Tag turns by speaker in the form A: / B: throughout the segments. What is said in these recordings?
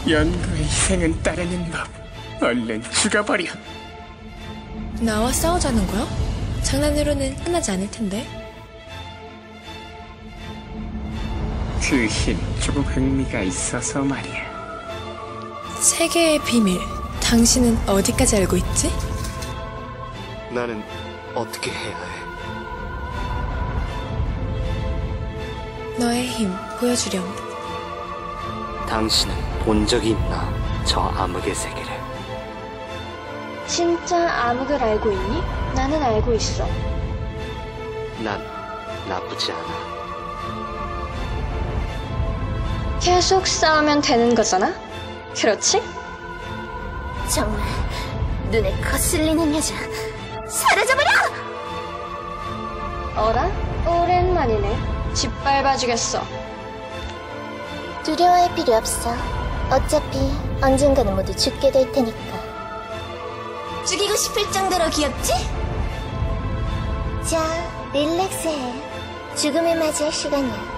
A: 연구의 희생은 따르는 법. 얼른 죽어버려.
B: 나와 싸우자는 거야? 장난으로는 끝나지 않을 텐데.
A: 그 힘 조금 흥미가 있어서 말이야.
B: 세계의 비밀. 당신은 어디까지 알고 있지?
C: 나는 어떻게 해야 해?
B: 너의 힘 보여주렴.
C: 당신은 본 적이 있나? 저 암흑의 세계를.
D: 진짜 암흑을 알고 있니? 나는 알고 있어.
C: 난 나쁘지 않아.
D: 계속 싸우면 되는 거잖아? 그렇지?
E: 정말 눈에 거슬리는 여자. 사라져버려!
D: 어라? 오랜만이네. 짓밟아주겠어.
E: 두려워할 필요 없어. 어차피 언젠가는 모두 죽게 될 테니까. 죽이고 싶을 정도로 귀엽지? 자, 릴렉스해. 죽음을 맞이할 시간이야.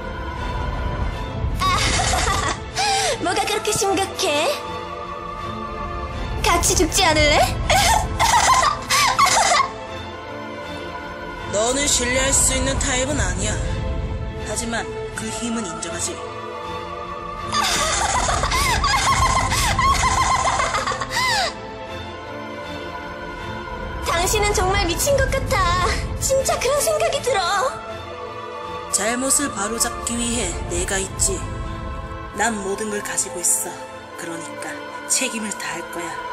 E: 뭐가 그렇게 심각해? 같이 죽지 않을래?
F: 너는 신뢰할 수 있는 타입은 아니야. 하지만 그 힘은 인정하지.
E: 당신은 정말 미친 것 같아. 진짜 그런 생각이 들어.
F: 잘못을 바로잡기 위해 내가 있지. 난 모든 걸 가지고 있어. 그러니까 책임을 다할 거야.